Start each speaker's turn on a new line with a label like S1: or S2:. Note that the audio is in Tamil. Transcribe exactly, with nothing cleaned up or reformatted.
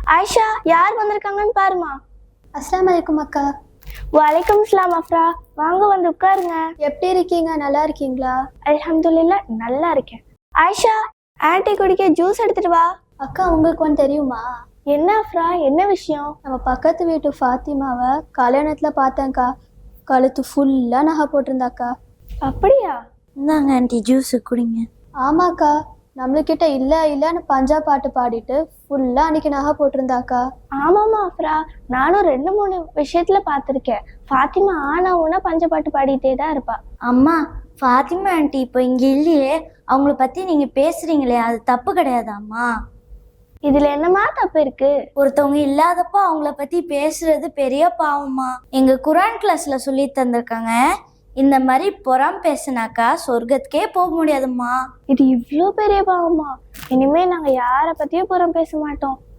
S1: ஆயிஷா, யார் வந்திருக்காங்கன்னு பாருமா.
S2: அஸ்ஸலாமு அலைக்கும் அக்கா.
S1: வலைக்கம் அஸ்ஸலாம் அஃப்ரா. வாங்க வந்து உட்காருங்க.
S2: எப்படி இருக்கீங்க? நல்லா இருக்கீங்களா?
S1: அல்ஹம்துலில்லாஹ் நல்லா இருக்கேன். ஆயிஷா, ஆன்ட்டி குடிக்க ஜூஸ் எடுத்துட்டு வா.
S2: அக்கா, உங்களுக்கு ஒன்று தெரியுமா?
S1: என்ன அஃப்ரா, என்ன விஷயம்?
S2: நம்ம பக்கத்து வீட்டு ஃபாத்திமாவை கல்யாணத்துல பார்த்தேன்க்கா. கழுத்து ஃபுல்லா நகை போட்டிருந்தாக்கா.
S1: அப்படியா?
S3: இந்தாங்க ஆண்டி ஜூஸு குடிங்க.
S2: ஆமாக்கா, நம்மளுக்கிட்ட இல்லை இல்லைன்னு பஞ்சா பாட்டு பாடிட்டு ஃபுல்லா அன்னைக்கு நகை போட்டிருந்தாக்கா.
S1: ஆமாமா அஃப்ரா, நானும் ரெண்டு மூணு விஷயத்துல பார்த்துருக்கேன். ஃபாத்திமா ஆனா ஊனா பஞ்சப்பாட்டு பாடிட்டே தான் இருப்பா.
S3: அம்மா, ஃபாத்திமா ஆண்டி இப்போ இங்கே இல்லையே, அவங்கள பற்றி நீங்கள் பேசுகிறீங்களே அது தப்பு கிடையாதாம்மா?
S1: இதுல என்னமா தப்பு இருக்கு?
S3: ஒருத்தவங்க இல்லாதப்போ அவங்கள பற்றி பேசுறது பெரிய பாவம்மா. எங்கள் குரான் கிளாஸில் சொல்லி தந்திருக்காங்க, இந்த மாதிரி புறம் பேசினாக்கா சொர்க்கத்துக்கே போக முடியாதும்மா.
S1: இது இவ்வளோ பெரிய பாவமா? இனிமே நாங்க யார பத்தியும் புறம் பேச மாட்டோம்.